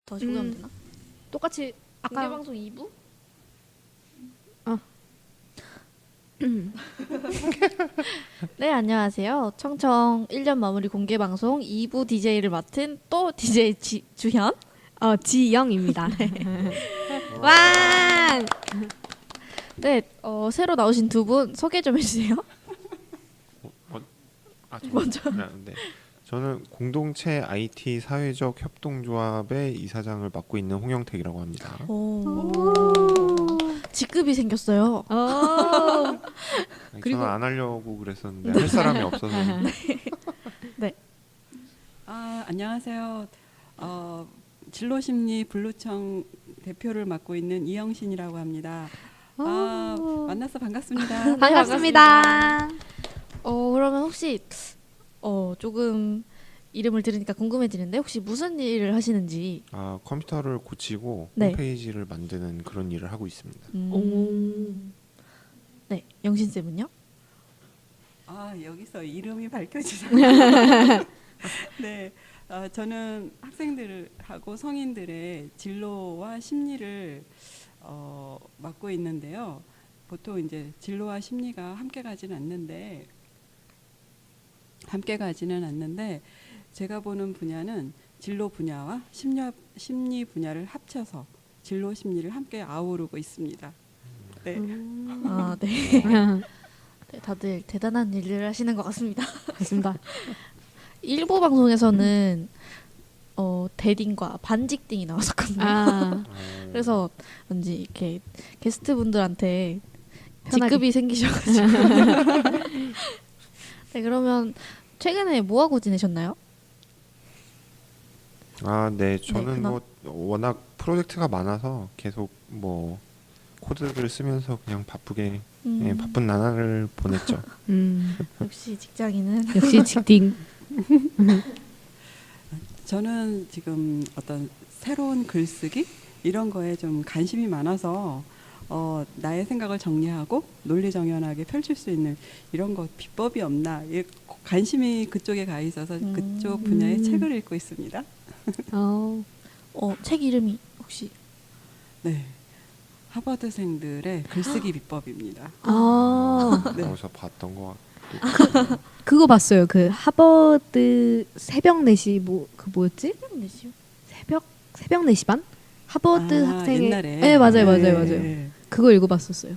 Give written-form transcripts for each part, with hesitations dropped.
다시 보면 되나? 똑같이 공개 아까 방송 2부? 네, 안녕하세요. 청청 1년 마무리 공개 방송 2부 DJ를 맡은 또 DJ 주현. 지영입니다. 와! 네, 새로 나오신 두 분 소개 좀 해주세요. 먼저. 네. 저는 공동체 IT 사회적 협동조합의 이사장을 맡고 있는 홍영택이라고 합니다. 직급이 생겼어요. 그리고- 저는 안 하려고 그랬었는데 할 사람이 없어서. 안녕하세요. 진로심리 블루청 대표를 맡고 있는 이영신이라고 합니다. 만나서 반갑습니다. 반갑습니다. 그러면 혹시 조금 이름을 들으니까 궁금해지는데 혹시 무슨 일을 하시는지. 컴퓨터를 고치고 네. 홈페이지를 만드는 그런 일을 하고 있습니다. 네, 영신 쌤은요? 여기서 이름이 밝혀지죠. 네, 저는 학생들하고 성인들의 진로와 심리를 맡고 있는데요. 보통 이제 진로와 심리가 함께 가지는 않는데 제가 보는 분야는 진로 분야와 심리 분야를 합쳐서 진로 심리를 함께 아우르고 있습니다. 네. 네. 네, 다들 대단한 일을 하시는 것 같습니다. 맞습니다. 일부 방송에서는 대딩과 반직딩이 나왔었거든요. 그래서 왠지 이렇게 게스트 분들한테 편하게. 직급이 생기셔가지고. 네, 그러면 최근에 뭐 하고 지내셨나요? 네, 저는 그럼- 워낙 프로젝트가 많아서 계속 코드를 쓰면서 그냥 바쁘게 바쁜 나날을 보냈죠. 역시 직장인은 역시 직딩. 저는 지금 어떤 새로운 글쓰기 이런 거에 좀 관심이 많아서 나의 생각을 정리하고 논리정연하게 펼칠 수 있는 이런 것 비법이 없나 관심이 그쪽에 가 있어서 그쪽 분야의 책을 읽고 있습니다. 책 이름이 혹시 네, 하버드생들의 글쓰기 비법입니다. 아, 네. 거기서 봤던 것 같고. 그거 봤어요. 그 하버드 새벽 4시 그 뭐였지? 내시요? 새벽 4시 반? 하버드 학생의 옛날에 네, 맞아요. 네. 그거 읽어봤었어요.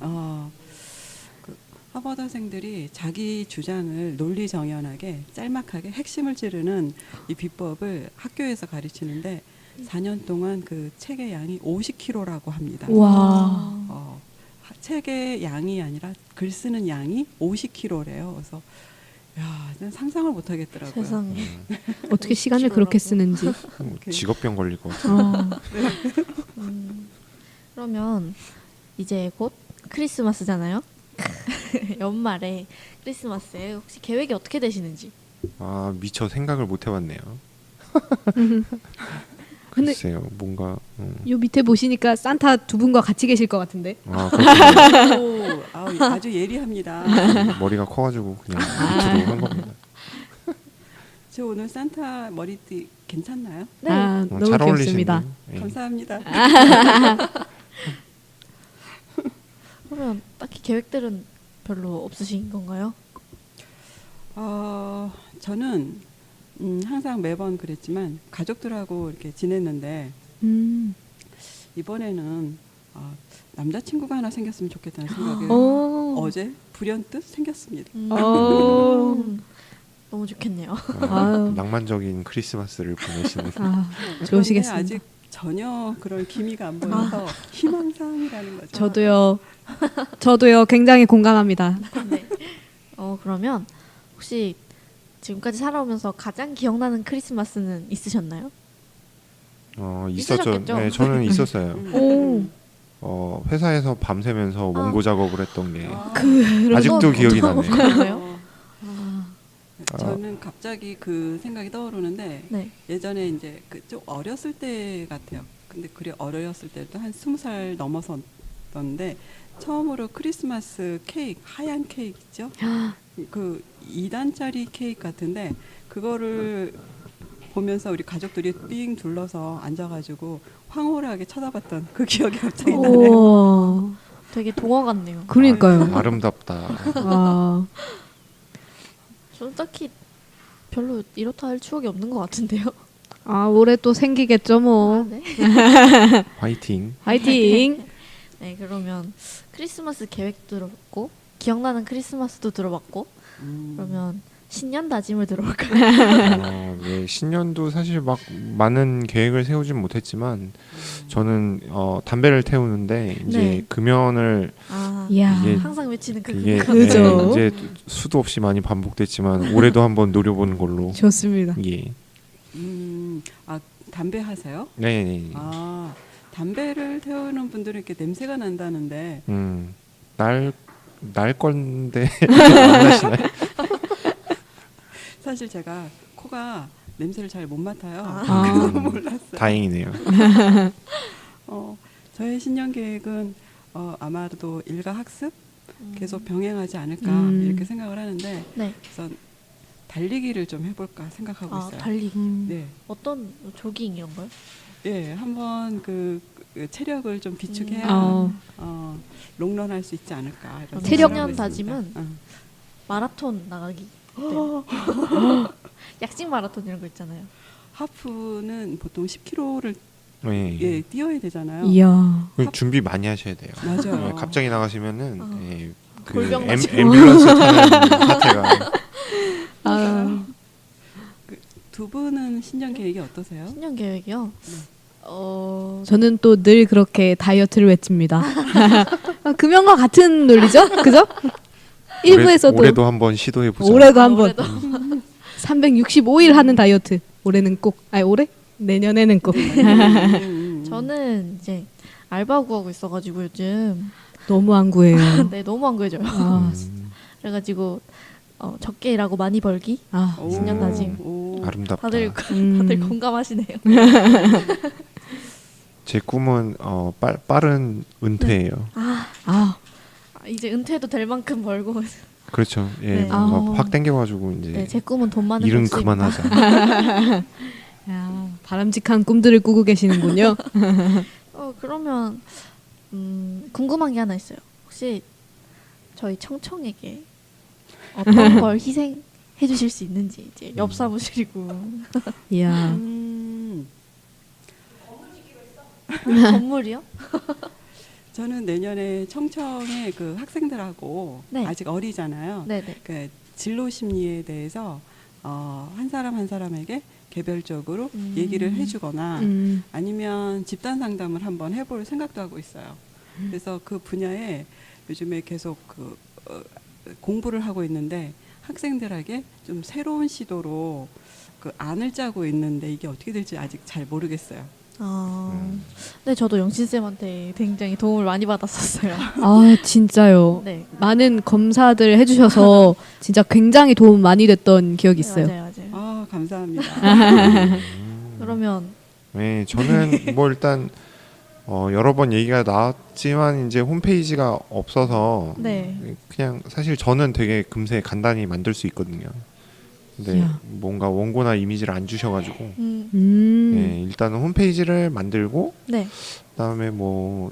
하버드생들이 자기 주장을 논리정연하게 짤막하게 핵심을 찌르는 이 비법을 학교에서 가르치는데 4년 동안 그 책의 양이 50kg라고 합니다. 와. 책의 양이 아니라 글 쓰는 양이 50kg래요. 그래서 난 상상을 못 하겠더라고요. 세상에. 어떻게 시간을 그렇게 쓰는지. 직업병 걸릴 것 같아요. 그러면 이제 곧 크리스마스잖아요. 연말에 크리스마스에 혹시 계획이 어떻게 되시는지. 미처 생각을 못 해봤네요. 근데- 글쎄요, 뭔가 요 밑에 보시니까 산타 두 분과 같이 계실 것 같은데. 그렇군요. 아주 예리합니다. 머리가 커가지고 그냥 밑으로 한 겁니다. 저 오늘 산타 머리띠 괜찮나요? 네. 너무 잘 귀엽습니다. 어울리시네요. 예. 감사합니다. 그러면 딱히 계획들은 별로 없으신 건가요? 저는 항상 매번 그랬지만 가족들하고 이렇게 지냈는데 이번에는 남자친구가 하나 생겼으면 좋겠다는 생각이 어제 불현듯 생겼습니다. 너무 좋겠네요. 아유. 낭만적인 크리스마스를 보내시는. 그런데 좋으시겠습니다. 아직 전혀 그런 기미가 안 보여서 희망사항이라는 거죠. 저도요 굉장히 공감합니다. 네. 그러면 혹시 지금까지 살아오면서 가장 기억나는 크리스마스는 있으셨나요? 있었죠. 있으셨겠죠? 네, 저는 있었어요. 오. 회사에서 밤새면서 원고 작업을 했던 게 그런 아직도 건 기억이 어떤 나네요. 건가요? 저는 갑자기 그 생각이 떠오르는데 네. 예전에 이제 좀 어렸을 때 같아요. 근데 그래 어렸을 때도 한 20살 넘어섰던데 처음으로 크리스마스 케이크 하얀 케이크 있죠? 그 2단짜리 케이크 같은데 그거를 보면서 우리 가족들이 삥 둘러서 앉아가지고 황홀하게 쳐다봤던 그 기억이 갑자기 오. 나네요. 우와. 되게 동화 같네요. 그러니까요. 아름답다. 아, 저는 딱히 별로 이렇다 할 추억이 없는 것 같은데요. 올해 또 생기겠죠 아, 뭐. 네. 화이팅. 화이팅. 네, 그러면 크리스마스 계획 들어봤고 기억나는 크리스마스도 들어봤고 그러면 신년 다짐을 들어볼까요? 네, 신년도 사실 막 많은 계획을 세우진 못했지만 저는 담배를 태우는데 이제 네. 금연을 아, 이야. 이게- 항상 외치는 그 이게 금연. 그죠. 이제 수도 없이 많이 반복됐지만 올해도 한번 노려보는 걸로. 좋습니다. 예. 아 담배 하세요? 네, 네. 아 담배를 태우는 분들은 이렇게 냄새가 난다는데 날 건데 안 나시나요? 사실 제가 코가 냄새를 잘 못 맡아요. 아. 그래서 몰랐어요. 다행이네요. 저의 신년 계획은 아마도 일과 학습 계속 병행하지 않을까 이렇게 생각을 하는데 네. 우선 달리기를 좀 해볼까 생각하고 아, 있어요. 달리기. 네, 어떤 조깅 이런 거요? 예, 한번 그 체력을 좀 비축해야 롱런 할 수 있지 않을까. 이런 체력- 생각을 하고 신년 다짐은 있습니다. 마라톤 나가기. 네. 약식 마라톤 이런 거 있잖아요. 하프는 보통 10km를 네. 뛰어야 되잖아요. 이야. 그럼 준비 많이 하셔야 돼요. 맞아요. 네, 갑자기 나가시면은 어. 그 골병 맞고. 앰뷸런스 타는 사태가. 아, 두 분은 신년 계획이 어떠세요? 신년 계획이요. 저는 또 늘 그렇게 다이어트를 외칩니다. 금연과 같은 논리죠? 그죠? 일부에서도 올해도 한번 시도해 보자. 올해도 한번 올해도. 365일 하는 다이어트. 올해는 꼭. 아니 올해? 내년에는 꼭. 저는 이제 알바 구하고 있어가지고 요즘 너무 안 구해요. 네 너무 안 구해져요. 아, 그래가지고 적게 일하고 많이 벌기. 아, 오, 신년 다짐. 오. 아름답다. 다들 음. 다들 공감하시네요. 제 꿈은 빠른 은퇴예요. 아, 이제 은퇴도 될 만큼 벌고. 그렇죠. 예, 네. 뭔가 아. 확 땡겨가지고 이제 네, 제 꿈은 돈 많은 일은 백수입니다. 그만하자. 야, 바람직한 꿈들을 꾸고 계시는군요. 그러면 궁금한 게 하나 있어요. 혹시 저희 청청에게 어떤 걸 희생해 주실 수 있는지 이제 옆 사무실이고 이야. 건물이요? 저는 내년에 청청의 그 학생들하고 네. 아직 어리잖아요. 네네. 그 진로 심리에 대해서 한 사람 한 사람에게 개별적으로 얘기를 해주거나 아니면 집단 상담을 한번 해볼 생각도 하고 있어요. 그래서 그 분야에 요즘에 계속 공부를 하고 있는데 학생들에게 좀 새로운 시도로 그 안을 짜고 있는데 이게 어떻게 될지 아직 잘 모르겠어요. 네, 저도 영신 쌤한테 굉장히 도움을 많이 받았었어요. 아, 진짜요. 네. 많은 검사들 해주셔서 진짜 굉장히 도움 많이 됐던 기억이 있어요. 네, 맞아요, 맞아요. 아 감사합니다. 그러면 네, 저는 뭐 일단 여러 번 얘기가 나왔지만 이제 홈페이지가 없어서 네. 그냥 사실 저는 되게 금세 간단히 만들 수 있거든요. 근데 이야. 뭔가 원고나 이미지를 안 주셔가지고 네, 일단은 홈페이지를 만들고 네. 그다음에 뭐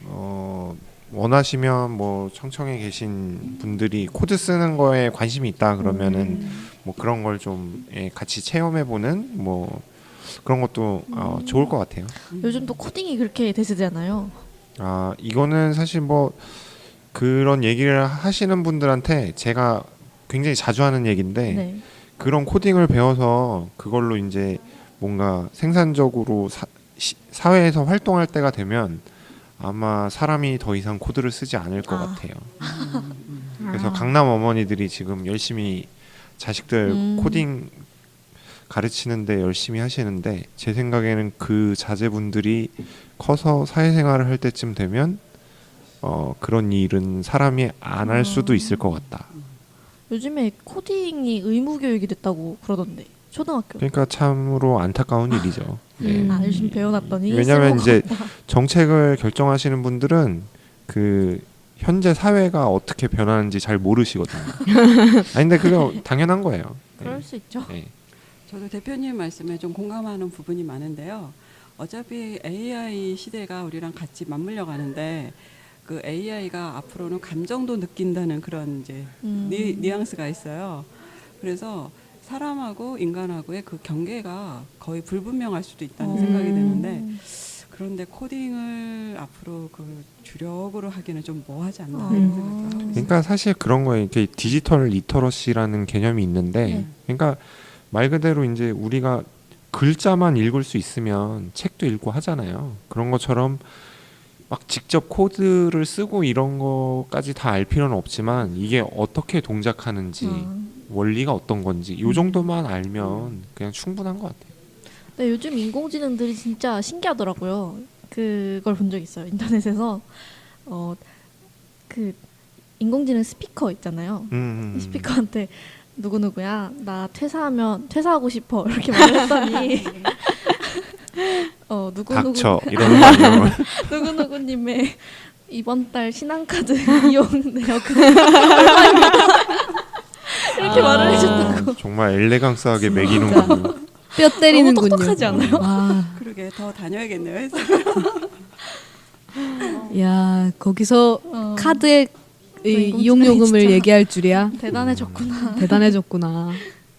원하시면 뭐 청청에 계신 분들이 코드 쓰는 거에 관심이 있다 그러면은 뭐 그런 걸 좀 같이 체험해보는 뭐 그런 것도 좋을 것 같아요. 요즘 또 코딩이 그렇게 대세잖아요. 아 이거는 사실 뭐 그런 얘기를 하시는 분들한테 제가 굉장히 자주 하는 얘기인데 네. 그런 코딩을 배워서 그걸로 이제 뭔가 생산적으로 사회에서 활동할 때가 되면 아마 사람이 더 이상 코드를 쓰지 않을 것 같아요. 그래서 강남 어머니들이 지금 열심히 자식들 코딩 가르치는데 열심히 하시는데 제 생각에는 그 자제분들이 커서 사회생활을 할 때쯤 되면 그런 일은 사람이 안 할 수도 있을 것 같다. 요즘에 코딩이 의무 교육이 됐다고 그러던데 초등학교. 그러니까 참으로 안타까운 일이죠. 네. 열심히 배워놨더니 왜냐하면 쓸모가 이제 없다. 정책을 결정하시는 분들은 그 현재 사회가 어떻게 변하는지 잘 모르시거든요. 아니 근데 그거 당연한 거예요. 네. 그럴 수 있죠. 네. 저도 대표님 말씀에 좀 공감하는 부분이 많은데요. 어차피 AI 시대가 우리랑 같이 맞물려 가는데 그 AI가 앞으로는 감정도 느낀다는 그런 이제 뉘앙스가 있어요. 그래서 사람하고 인간하고의 그 경계가 거의 불분명할 수도 있다는 생각이 드는데 그런데 코딩을 앞으로 그 주력으로 하기는 좀 뭐하지 않나 이런 생각도 하고 있어요. 그러니까 사실 그런 거예요. 이게 디지털 리터러시라는 개념이 있는데, 네. 그러니까 말 그대로 이제 우리가 글자만 읽을 수 있으면 책도 읽고 하잖아요. 그런 것처럼 막 직접 코드를 쓰고 이런 거까지 다 알 필요는 없지만 이게 어떻게 동작하는지 원리가 어떤 건지 요 정도만 알면 그냥 충분한 것 같아요. 네, 요즘 인공지능들이 진짜 신기하더라고요. 그걸 본 적 있어요. 인터넷에서 그 인공지능 스피커 있잖아요. 스피커한테 누구누구야 나 퇴사하고 싶어 이렇게 말했더니 닥쳐 이런 거 아니에요? 누구누구님의 이번 달 신한카드 이용 내역은 얼마입니다. 이렇게 말을 해줬다고. 정말 엘레강스하게 매기는군요. 뼈 때리는군요. 너무 똑똑하지 않아요? 와, 그러게 더 다녀야겠네요. 해서. 야 거기서 카드의 인공지능이 이용 요금을 진짜 얘기할 줄이야. 대단해졌구나. 대단해졌구나.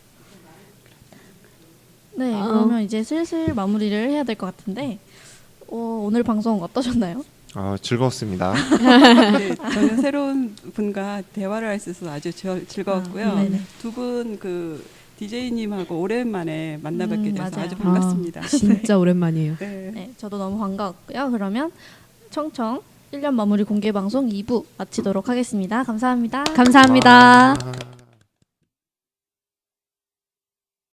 네, 그러면 이제 슬슬 마무리를 해야 될 것 같은데 오늘 방송 어떠셨나요? 즐거웠습니다. 네, 저는 새로운 분과 대화를 할 수 있어서 아주 즐거웠고요. 네네. 두 분 그 DJ님하고 오랜만에 만나 뵙게 돼서 맞아요. 아주 반갑습니다. 진짜 오랜만이에요. 네. 네, 저도 너무 반가웠고요. 그러면 청청 1년 마무리 공개 방송 2부 마치도록 하겠습니다. 감사합니다. 감사합니다.